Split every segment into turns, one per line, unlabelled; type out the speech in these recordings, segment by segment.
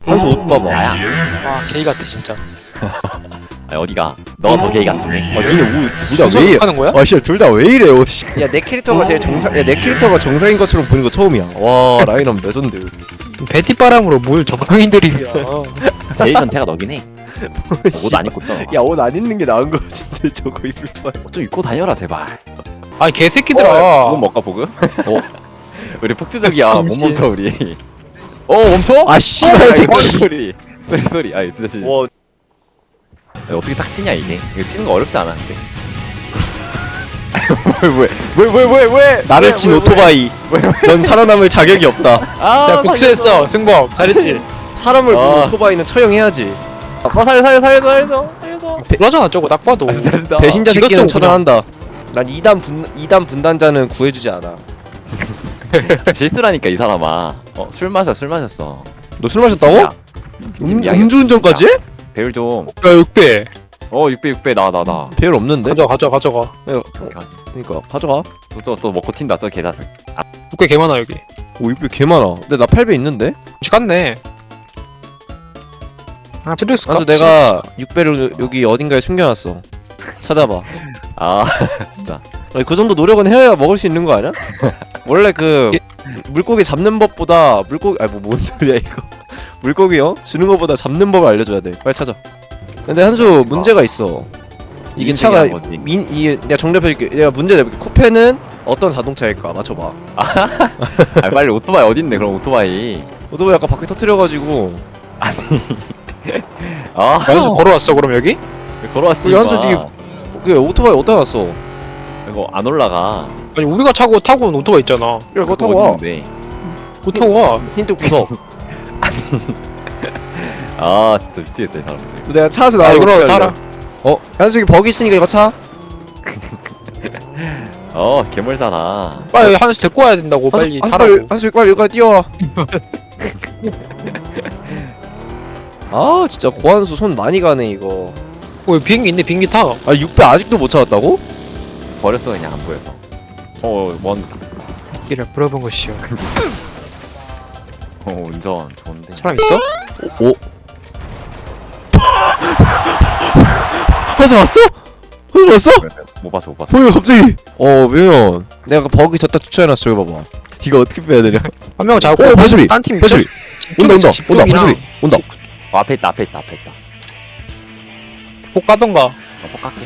한수 옷 봐봐.
나야.
아 게이 같아 진짜.
아니 어디가? 너가 더 게이 같으네.
아 니네 둘다 왜 이래?
하는 거야?
아 씨, 둘 다 왜 이래? 야내 캐릭터가 제일 내 캐릭터가 정상인 것처럼 보는 거 처음이야. 와 라인업 레전드.
베티바람으로 뭘 정상인들이야.
제일 전태가 너긴 해. 옷 안 입고 있어.
야 옷 안 입는 게 나은 거 같은데 저거 입을 바에.
좀 입고 다녀라 제발.
아니 개새끼들아.
보급 먹까 보급? 우리 폭주적이야. 못
잠시.
멈춰 우리. 멈춰?
아 씨발 새끼.
소리. 소리. 아 진짜 진짜.
와
어떻게 딱 치냐 이게? 이거 치는 거 어렵지 않아 근데. 왜?
나를 친 오토바이. 넌 살아남을 자격이 없다.
야 복수했어 승범 잘했지.
사람을 보는 오토바이는 처형해야지.
살려줘.
불하잖아 저거 딱 봐도.
아 진짜.
배신자
죽였어,
새끼는
그냥.
처단한다. 난 2단 분단자는 구해주지 않아.
실수라니까 이 사람아. 술 마셨어.
너 술 마셨다고?
야,
음주운전까지?
배율 좀.
야 6배.
600 나.
배율 없는데?
가져가.
그러니까 가져가.
또 먹고 튄다 저 개자식.
6배 개 많아 여기.
오 6배 개 많아. 근데 나 8배 있는데?
갔네. 아 필요했을까?
그래서 내가 6배를 여기 어딘가에 숨겨놨어. 찾아봐.
아 진짜.
아니, 그 정도 노력은 해야 먹을 수 있는 거 아니야? 원래 그 물고기 잡는 법보다 물고기 뭔 소리야 이거. 물고기 주는 것보다 잡는 법을 알려줘야 돼. 빨리 찾아. 근데 한수 문제가 있어. 이게 차가 이게 내가 정답해줄게. 내가 문제 내볼게. 쿠페는 어떤 자동차일까? 맞춰봐.
아 빨리 오토바이 어딨네 그럼 오토바이.
오토바이 아까 바퀴 터트려가지고.
한수 걸어왔어 그럼 여기?
걸어왔지.
우리 한수 그 오토바이 어디다 놨어?
이거 안 올라가.
아니 우리가 타고 온 오토바이 있잖아.
야 그거 타고 와.
그거 타고 와.
힌트 구석.
아 진짜 미치겠다 이 사람들.
내가 차에서
아
나와.
이거 타라.
한수 여기 버기 있으니까 이거 차.
괴물잖아.
빨리 한수 데리고 와야 된다고 빨리 타라고.
한수 빨리 여기까지 뛰어와. 아 진짜 고한수 손 많이 가네 이거.
비행기 있네 비행기 타.
아 6배 아직도 못 찾았다고?
버렸어 그냥 안 보여서. 뭔
길을 물어본 것이요.
운전 좋은데.
사람 있어?
오. 한수 왔어? 한수 왔어?
못 봤어.
뭐야 갑자기? 왜요? 내가 그 버기 졌다 추천해놨어. 저기 봐봐. 이거 어떻게 빼야 되냐?
한 명 잡고
발소리!
딴팀
발소리! 온다 발소리! 온다.
앞에 있다.
복 가던가.
뻑깎게.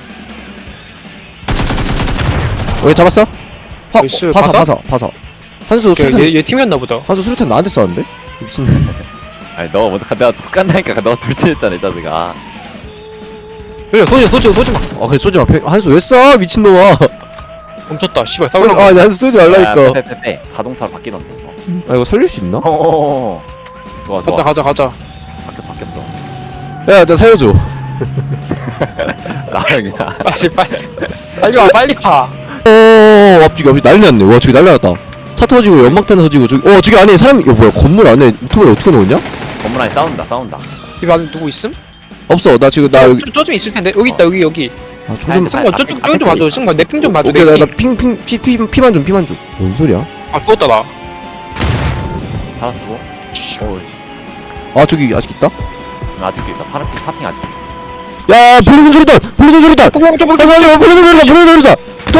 왜 잡았어?
나이스,
파사. 한수 수류탄
얘 팀이었나 보다.
한수 수류탄 나한테 쐈는데? 미친.
아니 너 먼저 내가 똑같다니까 너 돌진했잖아 이 자식아.
그래 쏘지 마.
아 그래 쏘지 마. 한수 왜 쏴? 미친놈아.
멈췄다. 씨발 싸우려고.
아 한수 쏘지 말라니까.
빼. 자동차로 바뀌던데 이거.
아 이거 살릴 수 있나?
좋아.
가자.
바뀌었어.
야 나 살려줘.
나 그냥.
빨리 와.
앞뒤 난리 났네. 와 저기 난리 났다. 차 터지고 연막탄 터지고 저기 안에 사람이 뭐야 건물 안에 오토바이 어떻게 넣었냐?
건물 안에 싸운다.
집 안에 누구 있음?
없어. 나 지금 나 여기
저좀 있을 텐데. 여기 있다. 여기.
아 조금
승관 저쪽 좀 봐줘. 승관 내 핑 좀 봐줘.
오케이
내
나
핑.
피만 좀. 뭔 소리야?
아 죽었다 나.
살았고.
아 저기 아직 있다?
아직도 있어. 파핑 아직.
야 블루슨 소리다! 블루슨 소리다! 블루슨 소리다!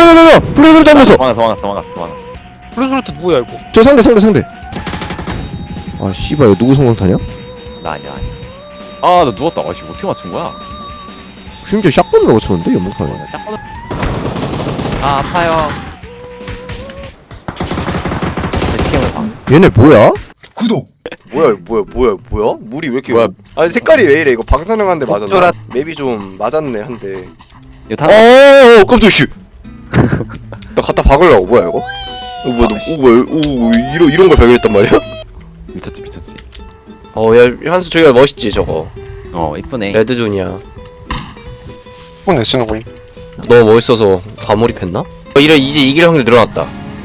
도망갔어.
블루스루트 누구야 이거?
저 상대. 아 씨발 누구 성공타냐?
나 아니야. 나 누웠다. 아씨 어떻게 맞춘 거야?
심지어 샷건으로 맞췄는데 연막탄에.
짝거든. 아파요. 스캠을 봐.
얘네 뭐야?
구독.
뭐야? 물이 왜 이렇게
뭐야?
아니 색깔이 왜 이래? 이거 방사능한데 맞았나?
적절한-
맵이 좀 맞았네 한데.
이거 다.
깜짝 씨. 나 갖다 박으려고 뭐야 이거? 뭐야? 이런 걸 발견했단 말이야?
미쳤지.
야 한수 저기가 멋있지 저거.
이쁘네.
레드존이야.
폰에 쓰는 거임.
너무 멋있어서 과몰입했나? 이제 이길 확률 늘어났다.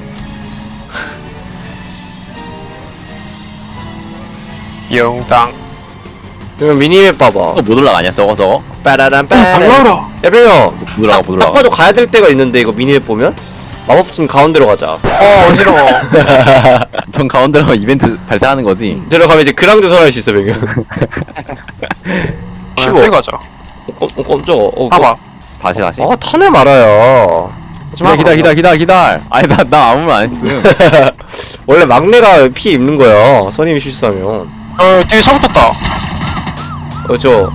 영당.
그러면 미니맵 봐봐.
못 올라가냐
빠라란
잘
빠라.
나와라.
야 병영.
못 올라가.
딱 봐도 가야 될 때가 있는데 이거 미니맵 보면 마법진 가운데로 가자.
어지러워.
전 가운데로 이벤트 발생하는 거지.
데려가면 이제 그랑도 설할 수 있어 병현. 쉬워.
빨리 가자.
깜짝아.
봐봐.
다시.
아 타네 말아요.
기다려. 아니 나 아무 말 안 했음.
원래 막내가 피 입는 거야. 선임이 실수하면.
뒤에 차 붙었다.
저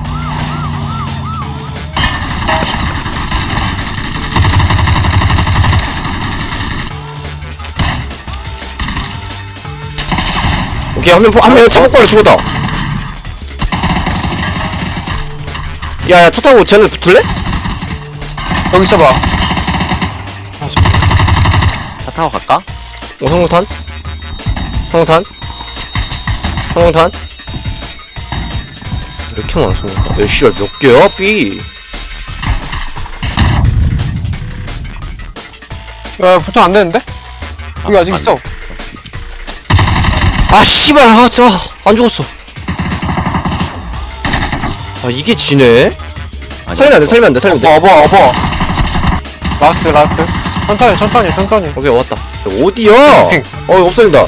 오케이 한명 차고과로 죽었다. 야야 차 타고 쟤네 붙을래?
여기 있어봐.
차 타고 갈까?
성공탄? 성공탄? 왜 이렇게 많아 성공탄? 야 씨발 몇 개야 B?
야, 보통 안 되는데? 여기 아직
안
있어.
아 씨발 아 진짜 안 죽었어. 아 이게 지네? 살리면 안 돼.
어버. 라스트. 천천히.
오케이 왔다. 어디야?
핑.
없어진다.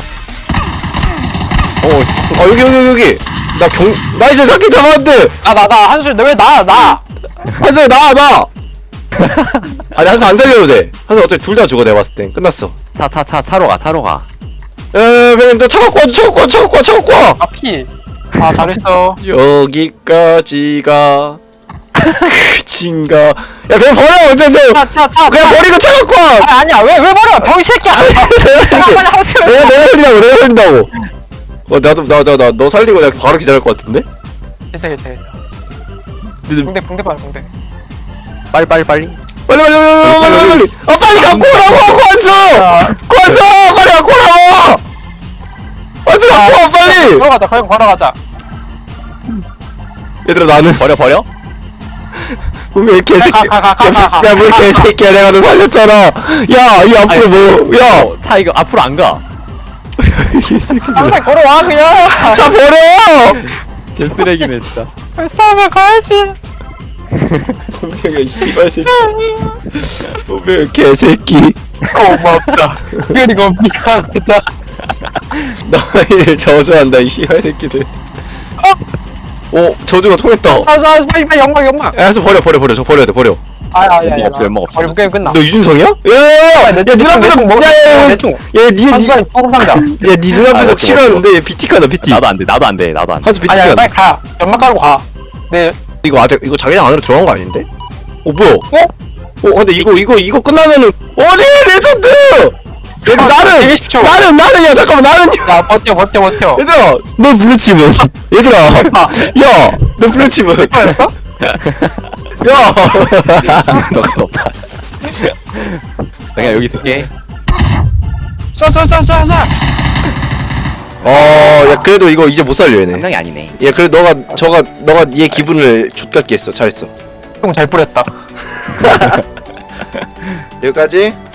여기. 나이스 잡기 잡았는데.
나 한술 왜 나.
한승 나. 아니 한승 안 살려도 돼. 한승 어차피 둘 다 죽어 내가 봤을 땐 끝났어.
차로 가.
그냥 너 차 갖고 와.
아 피. 아 잘했어.
여기까지가 끝인가? 야 그냥 버려 저
차.
그냥 버리고 차 갖고 와.
아니야 왜 버려 병이 새끼야. 빨리 하세요.
내가 살린다고. 나도 너 살리고 내가 바로 기다릴 것 같은데?
됐어. 붕대 빨리.
빨리. 아 빨리 갖고 오라고 왔어. 빨리 갖고 오라고. 왔어 갖고 와 빨리.
걸어가자.
얘들아 나는
버려?
왜 개새끼.
가.
야뭘 개새끼야 내가 너 살렸잖아. 야 이 앞으로 뭐야.
차 이거 앞으로 안 가.
빨리 걸어와 그냥.
차 버려.
개쓰레기네 진짜.
싸우면 가야지.
분명히 씨발 새끼. 분명히 개새끼.
고맙다. 그리고 미안하다.
너희를 저주한다 이 씨발 새끼들. 저주가 통했다.
빨리 연막.
야 해서 버려 저 버려야 돼 버려.
연막
없어.
버리면 게임 끝나.
너 유준성이야? 야야야
내
눈앞에서
내총
야니
상자.
눈앞에서
아,
치료하는데 얘 PT 카다 PT.
나도 안 돼.
한수 PT
아니야
카다.
빨리 가. 연막 깔고 가. 네.
이거 아직 이거 자기장 안으로 들어간 거 아닌데? 뭐야? 근데 이거 끝나면은 어디 레전드! 얘들 나는
20초.
나는야 잠깐만 나는요.
야 버텨.
얘들아 너 블루칩은 얘들아 야너 블루칩은
뭐였어?
야
너가 없다. 내가 여기 있을게.
쏴.
야 그래도 이거 이제 못 살려 얘네.
한 명이 아니네.
얘 그래 너가 얘 기분을 좆같게 했어. 잘했어.
형 잘 뿌렸다.
여기까지.